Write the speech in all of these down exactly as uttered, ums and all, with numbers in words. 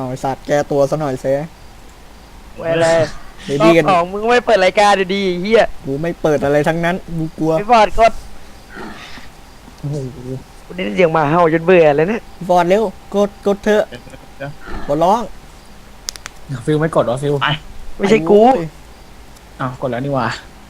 ไอ้สัตว์แก้ตัวซะหน่อยเซ่ไว้เลยเดี๋ยวรอดีบกันสองมึงก็ไม่เปิดรายการดีๆเฮียกูไม่เปิดอะไรทั้งนั้นกูกลัวพี่ฟอร์ดกดโอ้โหกูได้ยินเสียงหมาเห่าจนเบื่อเลยเนี่ยฟอร์ดเร็วกดกดเถอะกดร้องฟิลไม่กดวะฟิลไม่ใช่กูอ้าวกดแล้วนี่หว่า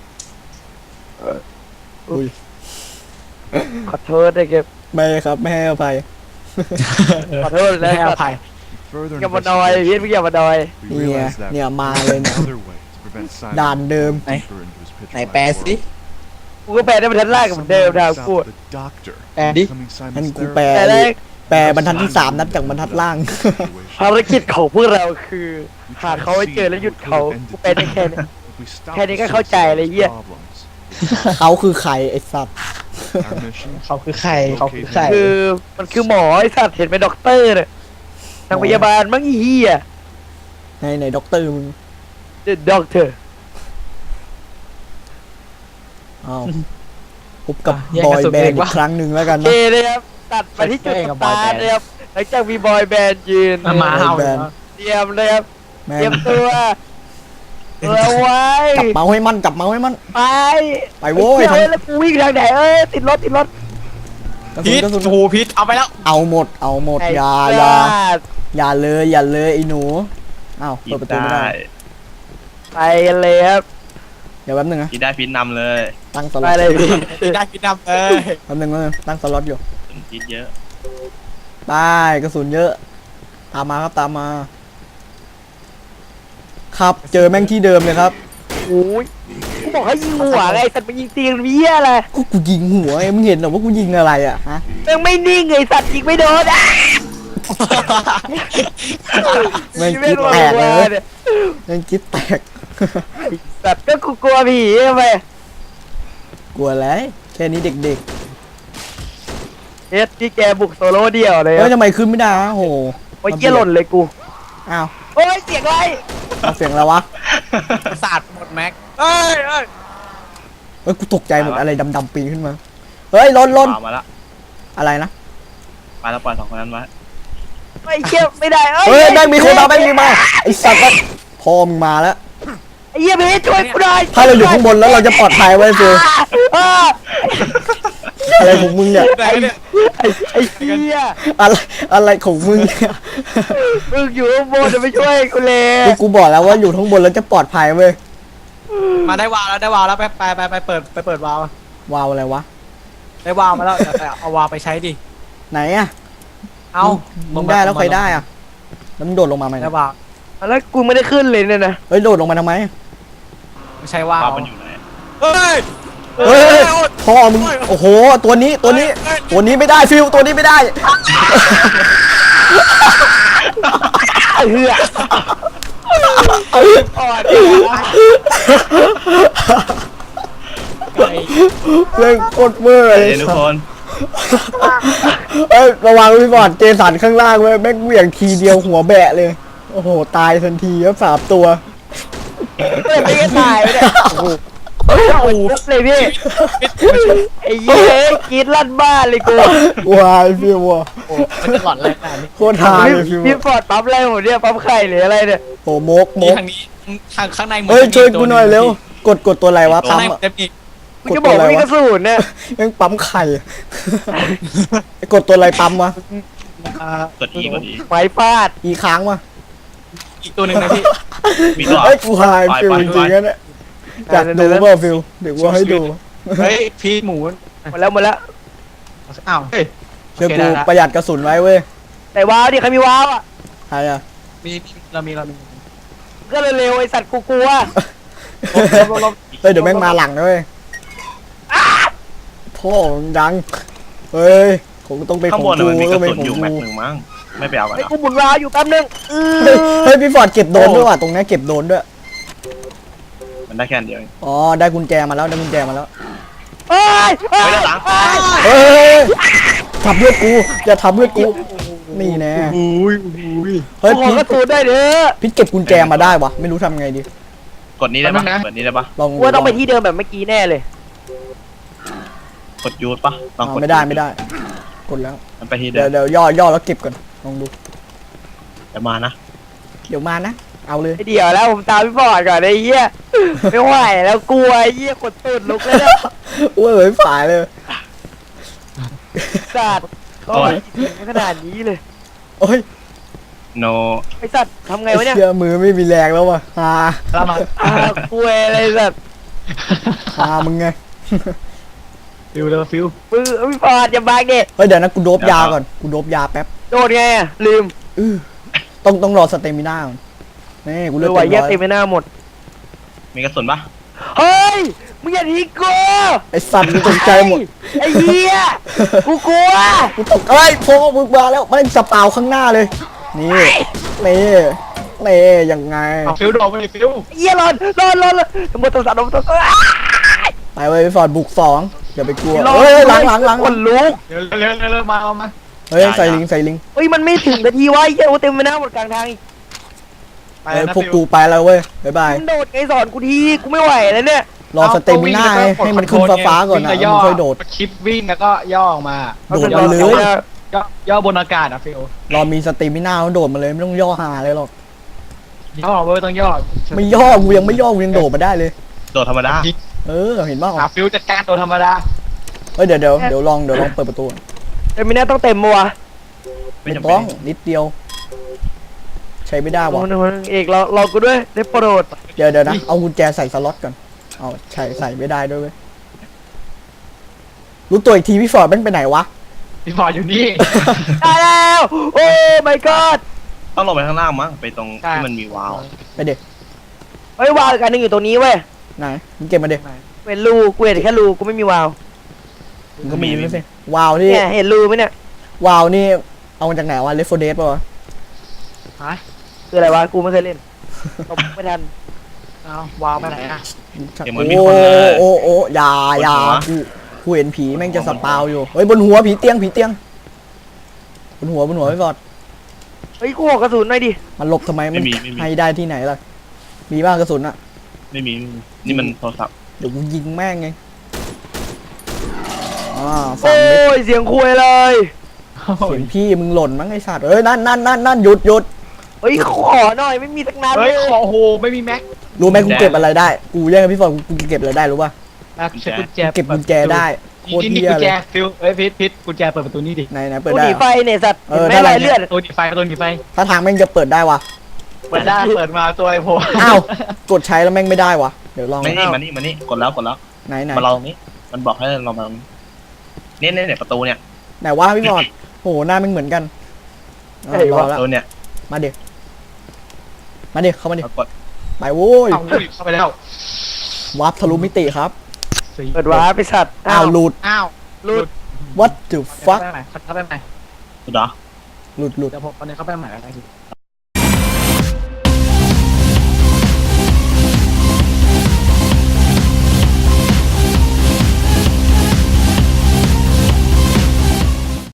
อุ้ยขอโทษด้วยเก็บไม่ครับไม่ให้อภัยขอโทษไม่นะให้อภัยอย่ามาดอยพี่พี่อย่ามาดอยเนี่ยเนี่ยมาเลยเนี่ย ด่านเดิมไหนไหนแปลสิกูก็แปลได้เป็นทันแรกเหมือนเดิมนะกูแปลดิงั้นกูแปลแต่แรกแปลบรรทัดที่สามนับจากบรรทัดล่างภารกิจของพวกเราคือหาเขาไว้เจอแล้วหยุดเขากูเป็นได้แค่นี้ แค่นี้ก็เข้าใจเลยเหี้ยเขาคือใครไอ้สัตว์เขาคือใครเขาคือใครคือมันคือหมอไอ้สัตว์เห็นเป็นด็อกเตอร์เนี่ยทางพยาบาลมั้งอีเหี้ยในในด็อกเตอร์มึง The Doctor อ้าวพบกับบอยแบนด์อีกครั้งหนึ่งแล้วกันโอเคนะเลยครับตัดไปที่จุดสตาร์ทเลยครับหลังจากมีบอยแบนด์ยืนมาเห่าแบนเตรียมเลยครับแม่เตรียมตัวเอาไว้จับเมาส์ให้มันจับเมาส์ให้มันไปไปโว้ยเฮ้ยทางแล้วกูวิ่งทางไหนเอ้ยติดรถติดรถกระสุพินษกระสุนโอ้โหพิษเอาไปแล้วเอาหมดเอาหมดไอ้อย่าพอย่าลาดอย่าเลยอย่าเลยไอ้หนูอ้าวเปิดประตูไม่ได้ไปกันเลยครับเดี๋ยวแป๊บนึงนะพี่ได้พิษนำเลยตั้งสไปล็อตเลยพี่ได้พิษดำเลยแป๊บนึงแป๊บนึงตั้งสล็อตอยู่พิษเยอะไปกระสุนเยอะ ตามมาครับตามมา ครับเจอแม่งที่เดิมเลยครับโอ้ยกูบอกให้ยิงหัวไงสัตว์มันยิงตีนเบี้ยอะไรกูกูยิงหัวไอ้มึงเห็นเหรอว่ากูยิงอะไรอ่ะฮะแม่งไม่นิ่งไงสัตว์ยิงไม่โดนอ่ะแม่งคิดแตกเลยแม่งคิดแตกสัตว์ก็กูกลัวผีทำไมกลัวอะไรแค่นี้เด็กเอ็ดที่แกบุกโซโล่เดี่ยวเลๆยเฮ้ยทำไมขึ้นไม่ได้วะโหโอ้ยเกี้ยหล่นเลยกูอ้าวโอ้ยเสียงอะไรเอาเสียงอะไรวะศาสตร์หมดแม็กเอ้ยเอ้ยเฮ้ยกูตกใจหมดอะไรดำๆปีนขึ้นมาเฮ้ยล้นล้นป่ามาแล้วอะไรนะไปแล้วปล่อยสองคนนั้นไว้ไอ้เกี้ยไม่ได้เฮ้ยแม่งมีคนมาแม่งมีมาไอ้สัตว์ก็พอมึงมาแล้วไอ้เหี้ยเพชรช่วยกูหน่อยถ้าเราอยู่ข้างบนแล้วเราจะปลอดภัยไว้ฟิวอ่าอะไรของมึงเนี่ยไหนเนี่ยไอ้ไอ้เหี้ยอะไรอะไรของมึงเนี่ยมึงอยู่ข้างบนจะไม่ช่วยกูเลยกูกูบอกแล้วว่าอยู่ข้างบนแล้วจะปลอดภัยเว้ยมาได้วาวแล้วได้วาวแล้วไปไปไปไปเปิดไปเปิดวาววาวอะไรวะได้วาวมาแล้วเดี๋ยวไปเอาวาวไปใช้ดิไหนอะเอามึงได้แล้วใครได้อะแล้วมึงโดดลงมาไหมได้วาวแล้วกูไม่ได้ขึ้นเลยเนี่ยนะเฮ้ยโดดลงมาทำไมไม่ใช่วาวป่ามันอยู่ไหนเฮ้ยเฮ้ยพ่อมึงโอ้โหตัวนี้ตัวนี้ ตัวนี้ไม่ได้ฟิวตัวนี้ไม่ได้เฮืออ่อนเล่นโคตรเวอร์เฮ้เลยยทุกคนเอ้ยระวังพี่บอดเจสันข้างล่างเว้ยแม่งเหวี่ยงทีเดียวหัวแบะเลยโอ้โหตายทันทีครับสามตัวไม่ไม่ได้ตายเลยโอ้โหเลยพี่ไอ้เหี้ยกรีดลั่นบ้านเลยกูวายฟิวอะโอ้มันจะหลอนอะไรขนาดนี้โคตรฮาเลยฟิวพี่ฟอร์ดปั๊มอะไรผมเนี่ยปั๊มไข่หรืออะไรเนี่ยโอ้โมกโมนี่กทางนี้ทางข้างในเฮ้ยช่วยกูหน่อยเร็วกดกดตัวอะไรวะข้างปั๊มในอะจะมีกูจะบอกว่ามีกระสุนเนี่ยแม่งปั๊มไข่ไอ้กดตัวอะไรปั๊มวะอ่ากดอีกดอีไม้ฟาดอีค้างวะอีกตัวหนึ่งนะพี่มีตัวเฮ้ยกูหายไปฟิวไปจริงๆนะเนี่ยอยากดูเปล่าฟิวเดี๋ยวว่าให้ดูเฮ้ยพี่หมูหมดแล้วหมดแล้วอ้าวเฮ้ยเชื่อโอเคกูได้ละประหยัดกระสุนไว้เว้ยแต่ว้าวดิใครมีว้าวอ่ะใครอะมีเรามีเรามีก็เร็วๆไอสัตว์กูกลัวเฮ้ยเดี๋ยวแม่งมาหลังนะเว้ยพ่อมึงดังเฮ้ยคงต้องเป็นขข้างองบนกูมันมีกต้ระองเป็นสุนของอยู่กูแม็กหนึ่งมั้งไม่ไปเอากันไอ้เหรอกูหมุนว้าวอยู่แป๊บนึงเอเฮ้ยอเฮ้ยพี่ฟอร์ดเก็บโดนด้วยว่ะตรงนี้เก็บโดนด้วยมันได้แค่อันเดียวเองอ๋อได้กุญแจมาแล้วได้กุญแจมาแล้วเฮ้ยเฮ้ยด้านหลังเฮ้ยทับเลือดกูอย่าทับเลือดกูนี่แน่อุ้ยอุ้ยเฮ้ยขอพี่กระสุนได้เด้อพี่เก็บกุญแจมาได้วะไม่รู้ทำไงดีกดนี้ได้ปะกดนี้ได้ปะลองกูว่าต้องไปที่เดิมแบบเมื่อกี้แน่เลยกดยูดปะลองอ๋กอดไม่ได้ไม่ได้กดแล้วมันไปที่เดิเดี๋ยวมเดี๋ยวย่อย่อแล้วเก็บก่อนลองดูเดี๋ยวมานะเดี๋ยวมานะ เอาเลยไอเดี๋ยวแล้วผมตามพี่บอดก่อนไอ้เหี้ยไม่ไหวแล้วกลัวไอ้เหี้ยขนตูดลุกเลยเนี่ยโอ้ยเหมือนฝ่ายเลยสัตว์เขาไม่ขนาดนี้เลยโอ้ยโนไอสัตว์ทำไงวะเนี่ยเชื่อมือไม่มีแรงแล้วว่ะฮาแล้วมาอ้าวกลัวอะไรสัตว์ฮามึงไงฟิวเลยฟิวมือพี่บอดอย่าบังดิเฮ้ยเดี๋ยวนะกูโดบยาก่อน กูโดบยาแป๊บโดดไงอะลืมอื้อต้องต้องรอสเตมิน่าก่อนนี่กูเลเลืยอกไหวเต็มเย็บร้อยเต็มไปหน้าหมดมีกระสุนปะเฮ้ยมึงอย่าทิ้งกูไอสัตว์กูตกใจหมดไอ้เหี้ยกูกลัวกูตกเอ้ยโฟมึงมาแล้วมันสปาวข้างหน้าเลย นี่นี่นี่ยังไงเอาฟิวโดดไปดิฟิวไอ้เหี้ยรอนรอนรอนรอนหมดตัวสัตว์หมดตัวสัตว์ไปเว้ยพี่ฟอร์ดบุกสองอย่าไปกลัวรอนเฮ้ยหลังหลังหลังคนลุกเร็วเร็วเร็วเร็วมาเอามาเฮ้ยใส่ลิงใส่ลิงเฮ้ยมันไม่ถึงนาทีวะไอ้เหี้ยโอ้เต็มไปหน้าหมดกลางทางอีกไปเฮ้ยนะพวกฟิวกูไปแล้วเว้ยบ๊ายบายมึงโดดไงสอนกูทีกูไม่ไหวแล้วเนี่ยรอสเตมิน่าไงให้มันขึ้นฟ้าๆก่อนนะวิ่งมันค่อยโดดคลิปวิ่งแล้วก็ย่อออกมาโดดมาเลยย่อย่อบนอากาศอะฟิวรอมีสเตมิน่ามันโดดมาเลยไม่ต้องย่อหาเลยหรอกย่อเว้ยต้องย่อไม่ย่อกูยังไม่ย่อกูยังโดดมาได้เลยโดดธรรมดาเออเห็นบ้างหาฟิวจัดการตัวธรรมดาเฮ้ยเดี๋ยวเดี๋ยวเดี๋ยวลองเดี๋ยวลองเปิดประตูเต็มไปหน้าต้องเต็มมัวไม่ไม่จำเป็ต้อน งนิดเดียว ใช้ไม่ได้โอ้วะโหเอกเราเรากูด้วยได้โปรดเดี๋ยวเดี๋ยวนะเอากุญแจใส่สล็อตก่อนเอาใส่ใส่ไม่ได้ด้วยเว้ยรู้ตัวอีกทีพี่ฟอร์ดแม่งไปไหนวะพี่ฟอร์ดอยู่นี่ได้แล้วโอ้ my god ต้องลงไปข้างล่างมั้งไปตรงใช่ที่มันมีวาล์วไปเด็กเฮ้ยวาวอีกอันหนึงอยู่ตรงนี้เว้ยไหนมึงเก็บมาเด็กเป็นรูกูเห็นแค่รูกูไม่มีวาวมึงก็มีไม่ใช่วาวที่เนี่ยเห็นรูไหมเนี่ยวาวนี่เอามาจากไหนวะเลฟโฟเดสป่ะวะฮะคืออะไรวะกูไม่เคยเล่นตบไม่ทันเอาวาวไปไหนอะโอ้โอ้โอ้อยาอยากูกูเห็นผีแม่งจะสปาวอยู่เฮ้ยบนหัวผีเตียงผีเตียงบนหัวบนหัวพี่ฟอร์ดเฮ้ยกูขอกระสุนหน่อยดิมันหลบทำไมมันไม่มีไม่มีให้ได้ที่ไหนล่ะมีบ้างกระสุนอะไม่มีไม่มีนี่มันโทรศัพท์เดี๋ยวกูยิงแม่งไงอ่าสาโอ้มเม็ดยเสียงคุยเลยเสียงพี่มึงหล่นมั้งไอ้สัตว์เอ้ยนั่นนั่นนั่นนั่นหยุดหยุดเฮ้ยขอหน่อยไม่มีสักนัดเลเฮ้ยยขอโหไม่มีแม็กรู้ไหมกูเก็บอะไรได้ กูแย่งกับพี่ฟอร์ดกูเก็บอะไรได้รู้ป่ะแม็กใช้กุญแจเก็บกุญแจได้โคนี่ตรนี่เหี้ยกุญเลแจยฟิวเอ้ยพิษพิษกุญแจเปิดประตูนี่ดิไหนไหนเปิดกูได้หนีเหรอไฟเนี่ยสัตว์เออเห็นไหมได้รอยเลือดประตูหนีไฟประตูหนีไฟถ้าทางแม่งจะเปิดได้วะเปิดได้เปิดมาตัวไอ้โพอ้าวกดใช้แล้วแม่งไม่ได้วะเดี๋ยวลองไม่นี่มานี่มานี่กดแล้วกดแล้วไหนไหนมาลองตรงนี้ มันบอกให้เรามาตรงนี้เนี่ยเนี่ยเนี่ยประตูเนี่ยไหนวะพี่ฟอร์ดโหหน้าแม่งเหมือนกันอ่ะรอปแล้วระตูเนี่ยมาเด็กมาเด็กเข้ามาเด็กเรากดไปโว้ยเอาเข้าไปแล้ววับทะลุมิติครับเปิดวาร์ปไปสัตว์อ้าวหลุดอ้าวหลุด what the ฟัก fuck เข้าไปใหม่เข้าไปใหม่สุดเหรอหลุดหลุดเดี๋ยวผมเอาเนี่ยเข้าไปใหม่แล้วกัน